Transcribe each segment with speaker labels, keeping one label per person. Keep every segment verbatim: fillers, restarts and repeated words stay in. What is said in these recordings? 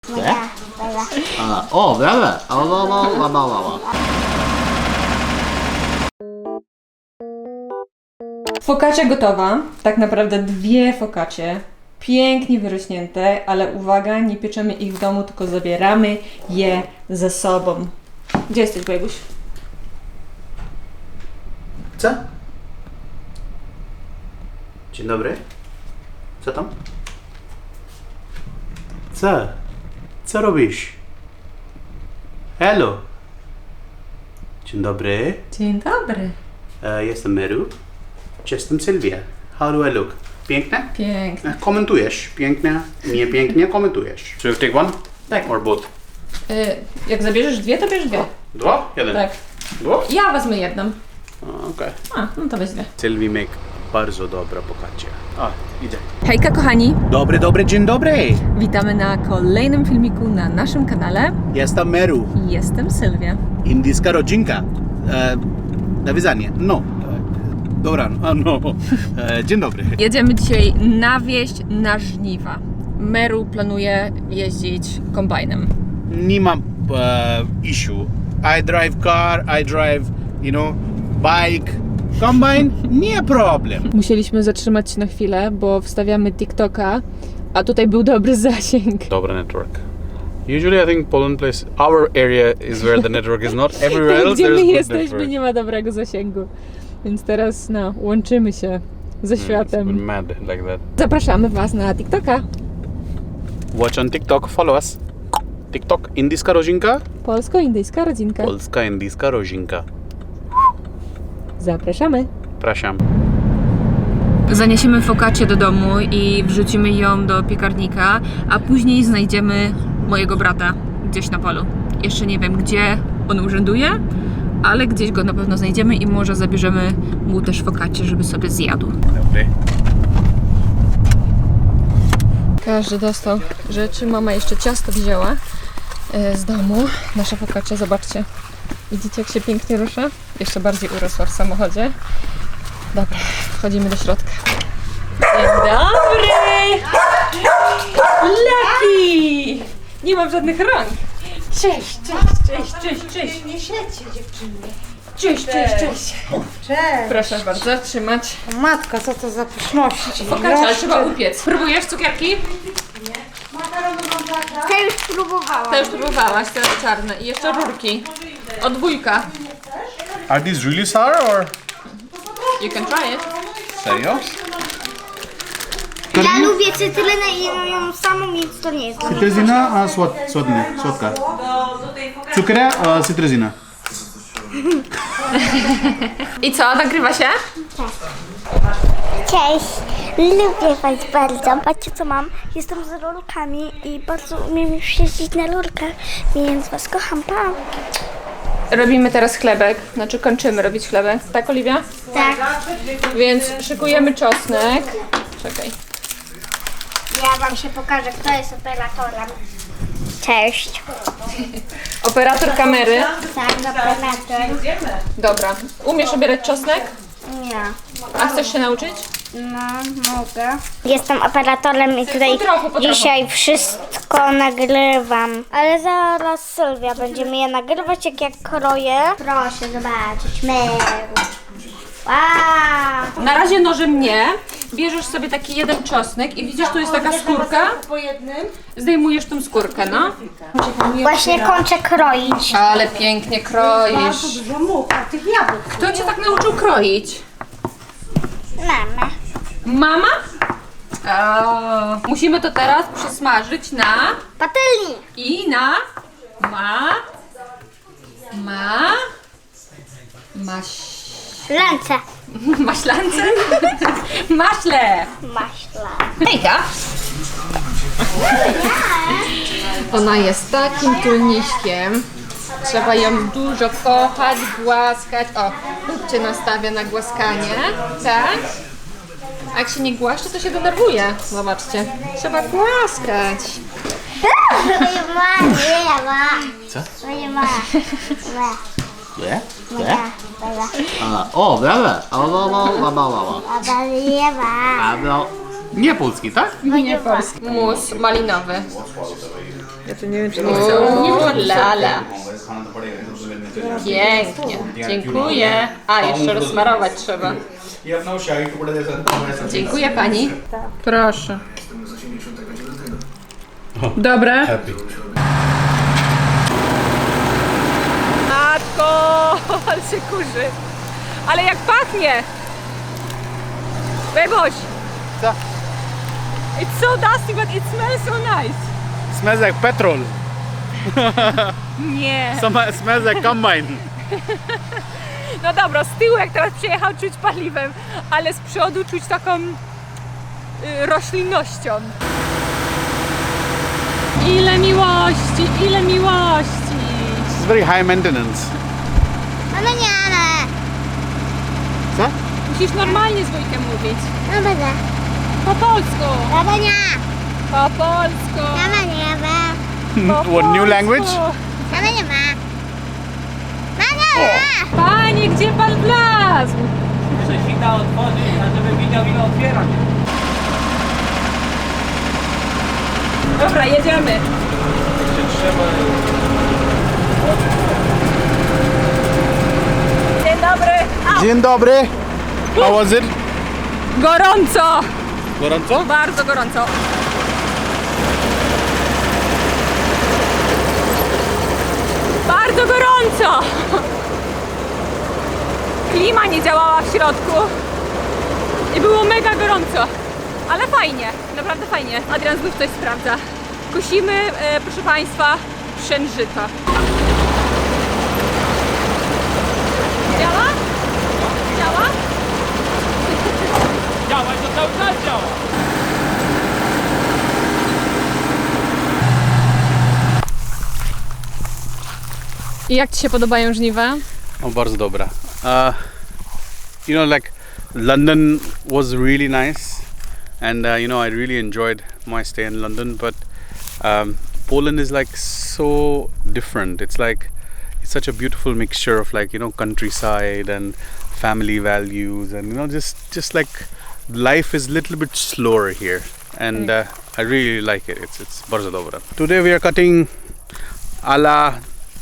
Speaker 1: Moja, moja. A, o, brawe! A, la, la, la, la, la, la.
Speaker 2: Focaccia gotowa. Tak naprawdę dwie focaccie. Pięknie wyrośnięte, ale uwaga, nie pieczemy ich w domu, tylko zabieramy je ze sobą. Gdzie jesteś, Bejbuś?
Speaker 1: Co? Dzień dobry. Co tam? Co? Co robisz? Hello. Dzień dobry.
Speaker 2: Dzień dobry.
Speaker 1: E, jestem Meru. Jestem Sylwia. How do I look? Piękne?
Speaker 2: Pięknie.
Speaker 1: E, Komentujesz. Piękne, nie pięknie, komentujesz. Should we take one?
Speaker 2: Tak.
Speaker 1: Or both?
Speaker 2: Y, jak zabierzesz dwie, to bierz dwie.
Speaker 1: Dwa? Jeden?
Speaker 2: Tak.
Speaker 1: Dwa?
Speaker 2: Ja wezmę jedną.
Speaker 1: Okej. Okay.
Speaker 2: A, no to weź dwie.
Speaker 1: Sylwii make bardzo dobra focaccia. A, idzie.
Speaker 2: Hejka kochani,
Speaker 1: Dobry, dobry, dzień dobry.
Speaker 2: witamy na kolejnym filmiku na naszym kanale.
Speaker 1: Jestem Meru.
Speaker 2: Jestem Sylwia.
Speaker 1: Indyjska rodzinka. E, nawiązanie. No. E, dobra, a no. E, dzień dobry.
Speaker 2: Jedziemy dzisiaj na wieś, na żniwa. Meru planuje jeździć kombajnem.
Speaker 1: Nie mam e, issue. I drive car, I drive, you know, bike, combine, nie problem.
Speaker 2: Musieliśmy zatrzymać się na chwilę, bo wstawiamy TikToka, a tutaj był dobry zasięg.
Speaker 3: Dobry network. Usually I think Poland place, our area is where the network is not. Everywhere
Speaker 2: Tam,
Speaker 3: else
Speaker 2: gdzie
Speaker 3: there's
Speaker 2: my
Speaker 3: good
Speaker 2: jesteśmy,
Speaker 3: network.
Speaker 2: nie ma dobrego zasięgu. Więc teraz, no, łączymy się ze
Speaker 3: It's
Speaker 2: światem.
Speaker 3: mad like that.
Speaker 2: Zapraszamy Was na TikToka.
Speaker 3: Watch on TikTok, follow us. TikTok, indyjska rodzinka?
Speaker 2: Polsko-indyjska rodzinka.
Speaker 3: Polska indyjska rodzinka.
Speaker 2: Zapraszamy.
Speaker 3: Praszam.
Speaker 2: Zaniesiemy focaccię do domu i wrzucimy ją do piekarnika, a później znajdziemy mojego brata gdzieś na polu. Jeszcze nie wiem, gdzie on urzęduje, ale gdzieś go na pewno znajdziemy i może zabierzemy mu też focaccię, żeby sobie zjadł.
Speaker 3: Dobry.
Speaker 2: Każdy dostał rzeczy. Mama jeszcze ciasto wzięła e, z domu. Nasza focaccia, zobaczcie. Widzicie, jak się pięknie rusza? Jeszcze bardziej urosła w samochodzie. Dobra, wchodzimy do środka. Dzień dobry! Leki! Nie mam żadnych rąk. Cześć, cześć, cześć, cześć, cześć.
Speaker 4: Nie siedźcie, dziewczyny.
Speaker 2: Cześć, cześć, cześć.
Speaker 4: Cześć.
Speaker 2: Proszę bardzo, trzymać.
Speaker 4: Matka, co to za pyszności.
Speaker 2: Focaccia, ale trzeba upiec. Próbujesz cukierki?
Speaker 4: Te już próbowałam.
Speaker 2: To już próbowałaś, te czarne. I jeszcze rurki. Od dwójka.
Speaker 3: Are these really sour or?
Speaker 2: You can try it.
Speaker 3: Serio?
Speaker 4: Ja lubię cytrynę i jem ją samą, więc to nie jest dla mnie.
Speaker 1: Cytryzyna, a słod, słodny, słodka. Cukier, a cytryzyna.
Speaker 2: I co, nagrywa się?
Speaker 4: Cześć. Lubię was bardzo. Patrzcie, co mam. Jestem z rurkami i bardzo umiem już jeździć na rurkach, więc was kocham. Pa.
Speaker 2: Robimy teraz chlebek, znaczy kończymy robić chlebek. Tak, Oliwia?
Speaker 4: Tak.
Speaker 2: Więc szykujemy czosnek. Czekaj.
Speaker 4: Ja wam się pokażę, kto jest operatorem. Cześć.
Speaker 2: Operator kamery.
Speaker 4: Tak, operator.
Speaker 2: Dobra. Umiesz obierać czosnek?
Speaker 4: Nie.
Speaker 2: A chcesz się nauczyć?
Speaker 4: No, mogę. Jestem operatorem i tutaj
Speaker 2: Po trochu, po trochu.
Speaker 4: dzisiaj wszystko nagrywam. Ale zaraz Sylwia będzie mnie nagrywać, jak ja kroję. Proszę zobaczyć, Meru. Wow.
Speaker 2: Na razie nożem nie. Bierzesz sobie taki jeden czosnek i widzisz, tu jest taka skórka.
Speaker 4: Po jednym.
Speaker 2: Zdejmujesz tą skórkę, no.
Speaker 4: Właśnie kończę kroić.
Speaker 2: Ale pięknie kroisz.
Speaker 4: Dużo much, a tych jabłek.
Speaker 2: Kto cię tak nauczył kroić?
Speaker 4: Mama.
Speaker 2: Mama? O, musimy to teraz przesmażyć na
Speaker 4: Patelni.
Speaker 2: i na ma ma maś
Speaker 4: Lance.
Speaker 2: maślance maśle.
Speaker 4: Maśla.
Speaker 2: Hejka. Ona jest takim tulniśkiem. Trzeba ją dużo kochać, głaskać. O, cię nastawia na głaskanie, tak? A jak się nie głaszcze, to się denerwuje. Zobaczcie. Trzeba głaskać.
Speaker 4: Moja ma, moja ma.
Speaker 1: Co?
Speaker 4: Moja ma.
Speaker 1: Nie?
Speaker 4: Moja. Moja.
Speaker 1: A, o, brawe! A, la, la, la, la, la, la.
Speaker 4: A moja ma.
Speaker 1: A, no, nie polski, tak?
Speaker 2: Nie polski. Mus malinowy. Ja to nie wiem, czy nie chcę. Lala. Pięknie. Dziękuję. A, jeszcze rozsmarować trzeba. Dziękuję pani. Proszę. Dobre? Matko, ale się kurzy. Ale jak pachnie! Beboś!
Speaker 1: Co?
Speaker 2: It's so dusty, but it smells so nice.
Speaker 1: Smells like petrol.
Speaker 2: Nie.
Speaker 1: Some, smells like combine.
Speaker 2: No dobra, z tyłu jak teraz przyjechał czuć paliwem, ale z przodu czuć taką y, roślinnością. Ile miłości, ile miłości!
Speaker 1: It's very high maintenance.
Speaker 4: No nie, ale.
Speaker 1: Co?
Speaker 2: Musisz normalnie z wujkiem mówić.
Speaker 4: No będę.
Speaker 2: Po polsku.
Speaker 4: No nie.
Speaker 2: Po polsku.
Speaker 4: No nie ma.
Speaker 2: Po
Speaker 1: What, new
Speaker 2: polsku.
Speaker 1: language?
Speaker 4: No nie ma. No nie ma.
Speaker 2: Panie, gdzie pan wlazł?
Speaker 5: Muszę sita otworzyć, a żeby widział ile otwieram.
Speaker 2: Dobra, jedziemy. Dzień dobry. Au.
Speaker 1: Dzień dobry. How was it?
Speaker 2: Gorąco.
Speaker 1: Gorąco?
Speaker 2: Bardzo gorąco. Bardzo gorąco! Klima nie działała w środku i było mega gorąco, ale fajnie, naprawdę fajnie. Adrian znów coś sprawdza. Kusimy, e, proszę Państwa, pszeniżyta. Działa? Działa?
Speaker 5: Działa, to cały czas działa.
Speaker 2: I jak Ci się podobają żniwa?
Speaker 3: Oh, bardzo dobra. Uh, you know, like London was really nice, and uh, you know, I really enjoyed my stay in London. But um, Poland is like so different. It's like it's such a beautiful mixture of like you know countryside and family values, and you know just just like life is a little bit slower here, and uh, I really like it. It's it's bardzo dobra. Today we are cutting ala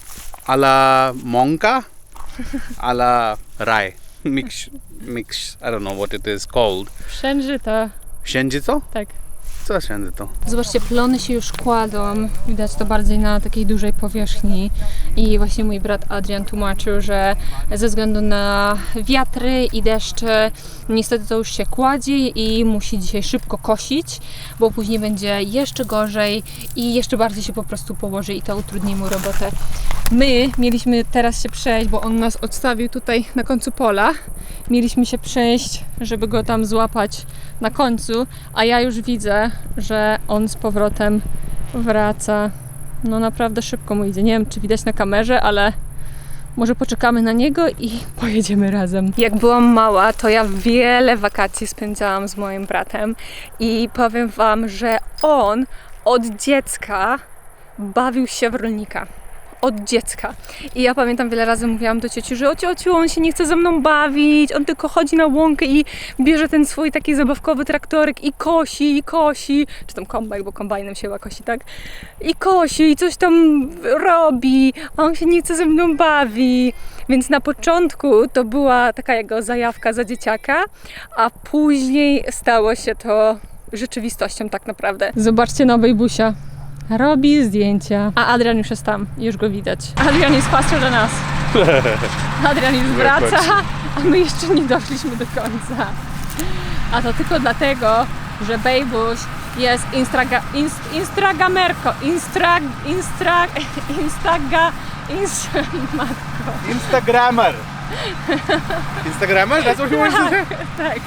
Speaker 3: ala monka. A la rye mix, mix, I don't know what it is called.
Speaker 2: Pszeniżyta.
Speaker 3: Księżyco?
Speaker 2: Tak.
Speaker 3: Co księżyco?
Speaker 2: Zobaczcie, plony się już kładą, widać to bardziej na takiej dużej powierzchni i właśnie mój brat Adrian tłumaczył, że ze względu na wiatry i deszcze niestety to już się kładzie i musi dzisiaj szybko kosić, bo później będzie jeszcze gorzej i jeszcze bardziej się po prostu położy i to utrudni mu robotę. My mieliśmy teraz się przejść, bo on nas odstawił tutaj na końcu pola. Mieliśmy się przejść, żeby go tam złapać na końcu, a ja już widzę, że on z powrotem wraca. No naprawdę szybko mu idzie. Nie wiem, czy widać na kamerze, ale może poczekamy na niego i pojedziemy razem. Jak byłam mała, to ja wiele wakacji spędzałam z moim bratem i powiem Wam, że on od dziecka bawił się w rolnika. Od dziecka. I ja pamiętam, wiele razy mówiłam do cioci, że o ciociu, on się nie chce ze mną bawić, on tylko chodzi na łąkę i bierze ten swój taki zabawkowy traktorek i kosi, i kosi, czy tam kombajn, bo kombajnem się chyba kosi, tak? I kosi, i coś tam robi, a on się nie chce ze mną bawi. Więc na początku to była taka jego zajawka za dzieciaka, a później stało się to rzeczywistością tak naprawdę. Zobaczcie na Bejbusia. Robi zdjęcia. A Adrian już jest tam, już go widać. Adrian jest faster than us. Adrian już wraca, a my jeszcze nie doszliśmy do końca. A to tylko dlatego, że Bejbuś jest instraga, inst, instagramerko, instra, instra, instaga, inst, matko.
Speaker 1: Instagrammer. Instagrammer? That's what you want to say?
Speaker 2: Tak.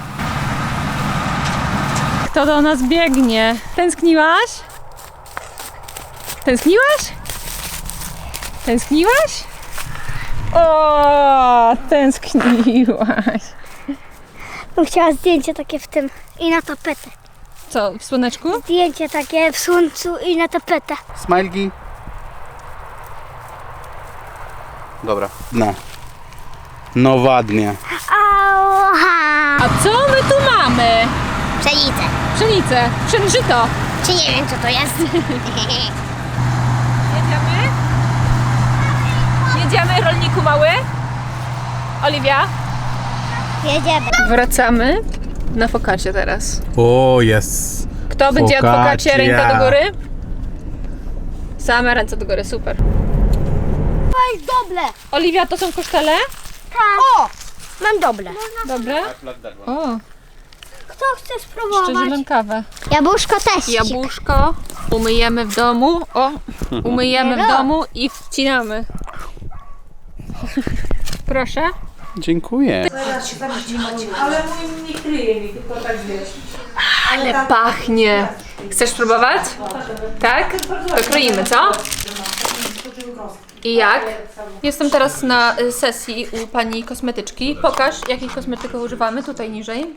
Speaker 2: Kto do nas biegnie? Tęskniłaś? Tęskniłaś? Tęskniłaś? O, tęskniłaś.
Speaker 4: Bym chciała zdjęcie takie w tym i na tapetę.
Speaker 2: Co, w słoneczku?
Speaker 4: Zdjęcie takie w słońcu i na tapetę.
Speaker 3: Smiley. Dobra. No. No ładnie.
Speaker 4: Ała!
Speaker 2: A co my tu mamy?
Speaker 4: Pszenicę.
Speaker 2: Pszenicę, pszeniżyto.
Speaker 4: Czy nie wiem co to jest?
Speaker 2: Oliwia?
Speaker 4: Jedziemy.
Speaker 2: Wracamy na focaccia teraz.
Speaker 1: Oh yes.
Speaker 2: Kto będzie jadł
Speaker 1: Focaccia.
Speaker 2: focaccia? Ręka do góry? Same ręce do góry, super.
Speaker 4: To jest dobre.
Speaker 2: Oliwia, to są kosztele?
Speaker 4: Tak. O, mam dobre.
Speaker 2: Dobre. O,
Speaker 4: Kto chce
Speaker 2: jeszcze
Speaker 4: spróbować?
Speaker 2: zielonkawę.
Speaker 4: Jabłuszko też.
Speaker 2: Jabłuszko umyjemy w domu. O, umyjemy w domu i wcinamy. Proszę.
Speaker 3: Dziękuję.
Speaker 2: Ale pachnie. Chcesz spróbować? Tak? To kroimy, co? I jak? Jestem teraz na y, sesji u pani kosmetyczki. Pokaż, jakich kosmetyków używamy. Tutaj niżej.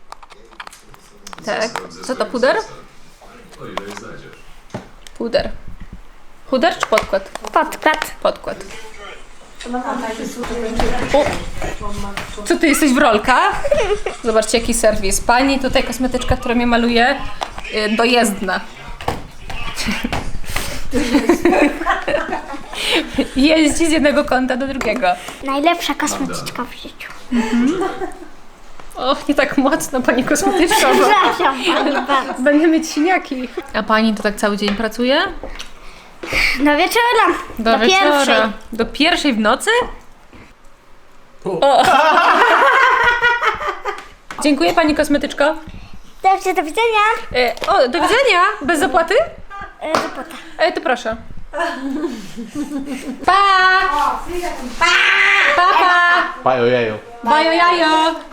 Speaker 2: Tak. Co to, puder? Puder. Puder czy podkład?
Speaker 4: Podkład.
Speaker 2: Podkład. O! Co ty jesteś w rolkach? Zobaczcie jaki serwis. Pani tutaj kosmetyczka, która mnie maluje, yy, dojezdna. Jeździ z jednego kąta do drugiego.
Speaker 4: Najlepsza kosmetyczka w życiu.
Speaker 2: Och, nie tak mocno pani kosmetyczka, bo
Speaker 4: Przepraszam pani bardzo.
Speaker 2: będę mieć siniaki. A pani to tak cały dzień pracuje?
Speaker 4: Do wieczora.
Speaker 2: Do,
Speaker 4: Do
Speaker 2: wieczora.
Speaker 4: pierwszej.
Speaker 2: Do pierwszej w nocy? O. Dziękuję pani kosmetyczko.
Speaker 4: Dobrze, do widzenia.
Speaker 2: E, o, do widzenia. Bez zapłaty?
Speaker 4: E, Zapłata.
Speaker 2: E, to proszę. Pa! Pa! Pa, pa!
Speaker 1: Pajo jajo.
Speaker 2: Bajo jajo!